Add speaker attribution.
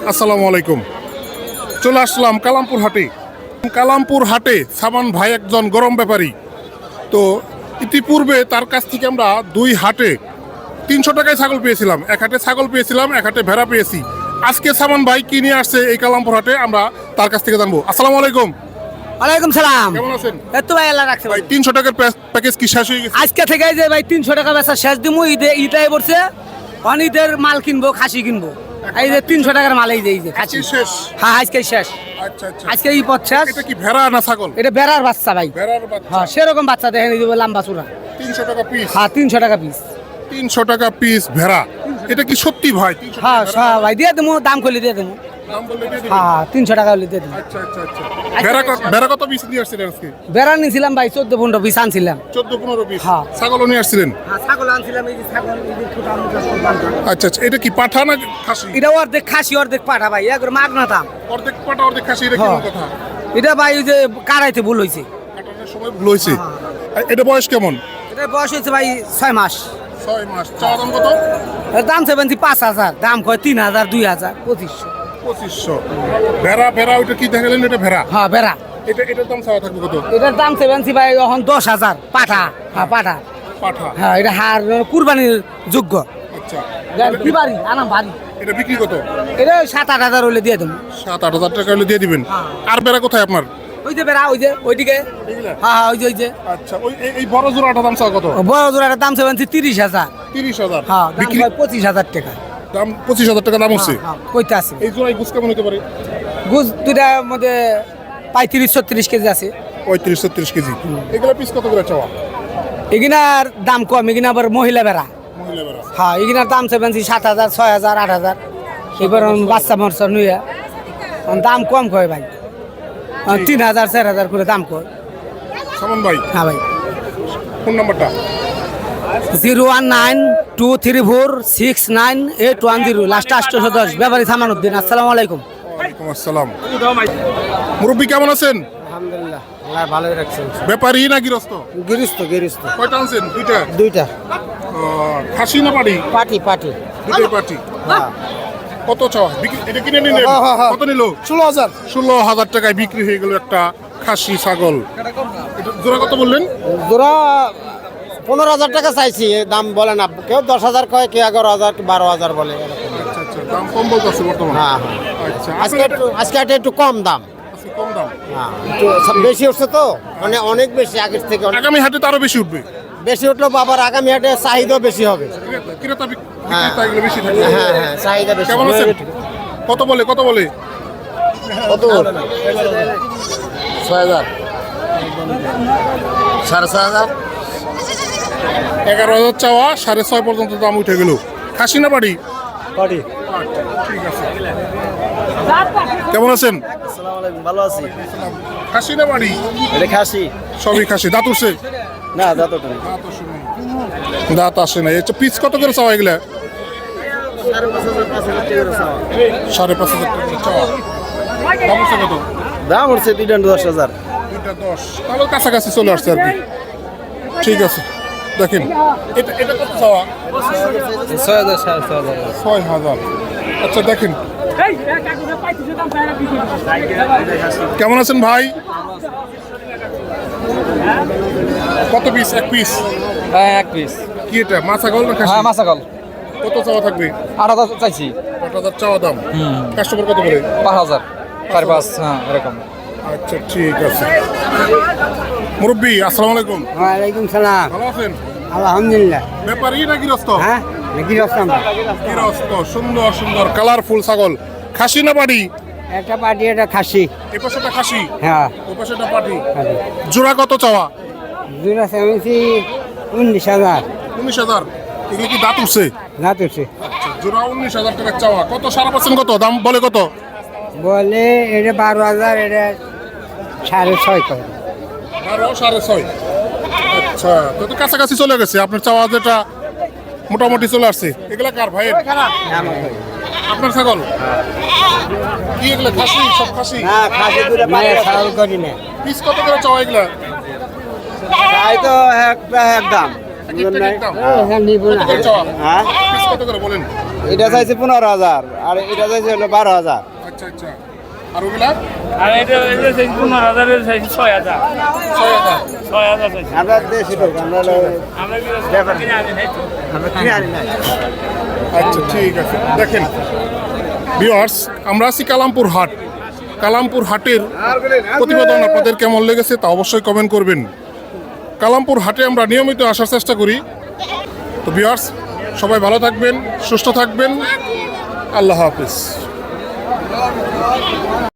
Speaker 1: আসসালামু আলাইকুম। চলে আসলাম কালামপুর হাটে। কালামপুর হাটে সামান ভাই একজন গরম ব্যাপারী। তো ইতিপূর্বে তার কাছ থেকে আমরা দুই হাটে 300 টাকায় ছাগল পেয়েছিলাম। এক হাটে ছাগল পেয়েছিলাম, এক হাটে ভেড়া পেয়েছি। আজকে সামান ভাই কি নিয়ে আসছে এই কালামপুর হাটে আমরা তার কাছ থেকে জানবো। আসসালামু আলাইকুম।
Speaker 2: ওয়ালাইকুম সালাম।
Speaker 1: কেমন আছেন
Speaker 2: এত ভাই আল্লাহ রাখছে
Speaker 1: ভাই?
Speaker 2: ভাই।
Speaker 1: 300 টাকার প্যাকেজ কি শেষ হয়ে গেছে?
Speaker 2: আজকে থেকে যে ভাই 300 টাকা বেচা শেষ দিমু। ঈদে পড়ছে, অনিদের মাল কিনবো, খাসি কিনবো। এই যে 300 টাকার মাল, এই যে খাসি
Speaker 1: আজকে শেষ?
Speaker 2: হ্যাঁ আজকে শেষ।
Speaker 1: আচ্ছা আচ্ছা।
Speaker 2: আজকে এই পথ শেষ।
Speaker 1: এটা কি ভেড়া না ছাগল?
Speaker 2: এটা বেড়ার বাচ্চা ভাই।
Speaker 1: ভেড়ার বাচ্চা।
Speaker 2: হ্যাঁ সেরকম বাচ্চা দেখেন, এই যে লম্বা চূড়া।
Speaker 1: 300 টাকা পিস?
Speaker 2: হ্যাঁ 300 টাকা পিস।
Speaker 1: 300 টাকা পিস ভেড়া। এটা কি সত্যি ভাই? 300
Speaker 2: হ্যাঁ
Speaker 1: টাকা
Speaker 2: হ্যাঁ ভাই দিয়ে দেবো, দাম করলে দিয়ে দেবো।
Speaker 1: দাম বললে দিয়ে দিবেন?
Speaker 2: হ্যাঁ 300 টাকা হলে দিয়ে দেবো।
Speaker 1: আচ্ছা আচ্ছা আচ্ছা। ভেড়া কত পিস নিয়ে আসছিলেন আজকে?
Speaker 2: বেড়া নিয়েছিলাম ভাই 14-15 পিস আনছিলাম।
Speaker 1: 14-15 পিস।
Speaker 2: হ্যাঁ।
Speaker 1: ছাগলও নিয়ে আসছিলেন?
Speaker 2: হ্যাঁ ছাগল আনছিলাম, এই যে ছাগল, এই যে ছোট আমুক আছে।
Speaker 1: আচ্ছা আচ্ছা। এটা কি পাঠা না খাসি?
Speaker 2: এটা অর্ধেক খাসি অর্ধেক পাঠা ভাই, একবার মাগনা দাম।
Speaker 1: অর্ধেক পাঠা অর্ধেক খাসি, এটা কেমন কথা?
Speaker 2: এটা ভাই ওই যে কারাইতে ভুল হয়েছে।
Speaker 1: কাটানোর সময় ভুল হয়েছে। এটা বয়স কেমন?
Speaker 2: এটা বয়স হয়েছে ভাই 6 মাস।
Speaker 1: 6 মাস। চাওয়া দাম কত?
Speaker 2: এর দাম 5,000, দাম কয় 3,000, 2,000, 2,500।
Speaker 1: 2500। ভেড়া ওইটা কি দেখালেন? এটা ভেড়া?
Speaker 2: হ্যাঁ বেড়া।
Speaker 1: এটার দাম চাওয়া থাকবে কত?
Speaker 2: এটার দাম 70 ভাই, এখন 10,000 পাঠা। হ্যাঁ পাঠা।
Speaker 1: পাঠা।
Speaker 2: হ্যাঁ এটা হার কুরবানির যোগ্য।
Speaker 1: আচ্ছা।
Speaker 2: কি বাড়ি আনাম বাড়ি।
Speaker 1: এটা বিক্রি কত?
Speaker 2: এটা 7-8 হাজার হলে দিয়ে দেবো।
Speaker 1: 7-8 হাজার টাকা হলে দিয়ে দিবেন।
Speaker 2: হ্যাঁ।
Speaker 1: আর ভেড়া কোথায় আপনার?
Speaker 2: ওই যে বেড়া, ওই যে ওইদিকে।
Speaker 1: এগুলা?
Speaker 2: হ্যাঁ হ্যাঁ ওই যে
Speaker 1: আচ্ছা। এই বড় জোড়াটার দাম চাওয়া কত?
Speaker 2: বড় জোড়াটার দাম 30,000।
Speaker 1: 30,000।
Speaker 2: হ্যাঁ দাম
Speaker 1: বিক্রি
Speaker 2: হয় 25,000 টাকা।
Speaker 1: দাম 25,000 টাকা দাম হচ্ছে।
Speaker 2: হ্যাঁ কইতে আছে।
Speaker 1: এই জোড়ায় গুছ কেমন হতে পারে?
Speaker 2: গুজ দুটার মধ্যে 35-36 কেজি আছে।
Speaker 1: 35-36 কেজি। এগুলো পিস কত করে চাওয়া?
Speaker 2: এগিনার দাম কম, এগিনা আবার মহিলা বেড়া।
Speaker 1: মহিলা বেড়া।
Speaker 2: হ্যাঁ এগিনার দাম 7,000, 6,000, 8,000। এবার বাচ্চা মরচা নুয়া দাম কম কয় ভাই, 3,000, 4,000 করে দাম কয়।
Speaker 1: সামন ভাই,
Speaker 2: হ্যাঁ ভাই।
Speaker 1: ফোন নাম্বারটা?
Speaker 2: 019-234-69810, লাস্ট 810, ব্যাপারী সামানুদ্দিন। আসসালামু আলাইকুম।
Speaker 1: ওয়ালাইকুম আসসালাম। মুরব্বী কেমন আছেন?
Speaker 2: আলহামদুলিল্লাহ, আল্লাহ ভালোই রাখছেন।
Speaker 1: ব্যাপারী না গৃহস্থ?
Speaker 2: গিরিস্ত।
Speaker 1: কয়টা আনছেন? দুইটা?
Speaker 2: দুইটা।
Speaker 1: খাসি না পাটি?
Speaker 2: পাটি।
Speaker 1: দুটোই পাটি। কত চাওয়া? এটা কিনে নিলেন? কত নিল?
Speaker 2: 16,000।
Speaker 1: 16,000 টাকায় বিক্রি হয়ে গেল একটা খাসি ছাগল। এটা জোড়া কত বললেন?
Speaker 2: জোড়া 15,000 টাকা চাইছি, দাম বলে না। কেউ 10,000 কয়, কেউ 11,000, 12,000 বলে।
Speaker 1: আচ্ছা আচ্ছা। দাম কম বলতেছে বর্তমানে?
Speaker 2: হ্যাঁ
Speaker 1: আচ্ছা।
Speaker 2: আজকে একটু কম দাম।
Speaker 1: আজকে কম দাম।
Speaker 2: হ্যাঁ একটু বেশি উঠছে তো, মানে অনেক বেশি আগের থেকে।
Speaker 1: আগামী হাটে তো আরো বেশি উঠবে।
Speaker 2: বেশি উঠলো বাবার, আগামী হাটে চাহিদা বেশি হবে।
Speaker 1: ক্রেতা বিক্রেতা এগুলো বেশি থাকবে।
Speaker 2: হ্যাঁ চাহিদা বেশি।
Speaker 1: কেমন আছেন? কত বলে?
Speaker 2: কত? 6,000, 6,500।
Speaker 1: 11,000 চাওয়া, 6,500 পর্যন্ত দাম উঠে গেল। খাসি না বাড়ি?
Speaker 2: পাটি।
Speaker 1: ঠিক আছে। কেমন আছেন?
Speaker 2: আসসালামু আলাইকুম, ভালো আছি।
Speaker 1: খাসি না বাড়ি?
Speaker 2: এটা খাসি।
Speaker 1: সবই খাসি। দাঁত উঠছে?
Speaker 2: না দাঁতটা নেই।
Speaker 1: দাঁত আসে না। এটা পিস কত করে চাওয়া এগুলা? 5,500 টাকা চাওয়া। দাম উঠছে কত?
Speaker 2: দাম উঠছে 10,000।
Speaker 1: 2.10। তাহলে কাছাকাছি চলে আসছে আর কি। ঠিক আছে। দেখেন এটা কত চাওয়া?
Speaker 2: 6,000, 6,500।
Speaker 1: 6,000। আচ্ছা দেখেন। কেমন আছেন ভাই? কত পিস? এক পিস?
Speaker 3: হ্যাঁ এক পিস।
Speaker 1: কি এটা মাছা গল না খাসি?
Speaker 3: হ্যাঁ মাসাকল।
Speaker 1: কত চাওয়া থাকবে?
Speaker 3: 8,000 চাইছি।
Speaker 1: 8,000 চাওয়া দাম। কাস্টমার কত করে?
Speaker 3: 5,000, 5.5, হ্যাঁ এরকম।
Speaker 1: আচ্ছা ঠিক আছে। মুরব্বী আসসালামু আলাইকুম।
Speaker 2: ওয়ালাইকুম সালাম।
Speaker 1: ভালো আছেন?
Speaker 2: আলহামদুলিল্লাহ।
Speaker 1: ব্যাপারী না গৃহস্থ?
Speaker 2: হ্যাঁ নাকি রাস্তাম।
Speaker 1: গৃহস্থ। সুন্দর সুন্দর কালারফুল ছাগল। খাসি না বাড়ি?
Speaker 2: একটা পাটি, একটা খাসি।
Speaker 1: এ পাশেটা খাসি,
Speaker 2: হ্যাঁ
Speaker 1: ও পাশেটা পাটি। জোড়া কত চাওয়া?
Speaker 2: দুটা সেভেন্সি 19,000।
Speaker 1: 19,000। এগুলো কি দাঁত উঠছে?
Speaker 2: রাত উঠছে।
Speaker 1: আচ্ছা, জোড়া 19,000 টাকা চাওয়া। কত সারা পাচ্ছেন? কত দাম বলে? কত
Speaker 2: বলে এটা 12,000, এটা 6,500 করে।
Speaker 1: 12, 6.5। আচ্ছা, তো কাছাকাছি চলে গেছে। আপনার চাওয়া যেটা মোটামুটি চলে আসছে। এগুলা কার ভাই? আপনার ছাগল? কি এগুলা খাসি? সব খাসি?
Speaker 2: হ্যাঁ খাসি দুটা পাটি ছাগল করি না।
Speaker 1: পিস কত করে চাওয়া এগুলা?
Speaker 2: তাই তো এক দাম।
Speaker 1: এক একটা এক এক দাম। কত করে চাওয়া? পিস কত করে বলেন?
Speaker 4: এটা চাইছে 15,000 আর এটা চাইছে হলো 12,000।
Speaker 1: আচ্ছা আচ্ছা। আর ওগুলা?
Speaker 5: আর এটা চাইছি 15,000 চাইছি 6,000
Speaker 1: 6,000।
Speaker 5: 6,000 চাইছি
Speaker 4: আমরা দেশি লোক, আমরা
Speaker 5: আমরা কিনে আনি নাই তো
Speaker 4: আমরা কিনে আনি নাই।
Speaker 1: আচ্ছা ঠিক আছে। দেখেন ভিউয়ার্স, আমরা আছি কালামপুর হাট। কালামপুর হাটের প্রতিবেদন আপনাদের কেমন লেগেছে তা অবশ্যই কমেন্ট করবেন। কালামপুর হাটে আমরা নিয়মিত আসার চেষ্টা করি। তো ভিউয়ার্স, সবাই ভালো থাকবেন, সুস্থ থাকবেন। আল্লাহ হাফিজ।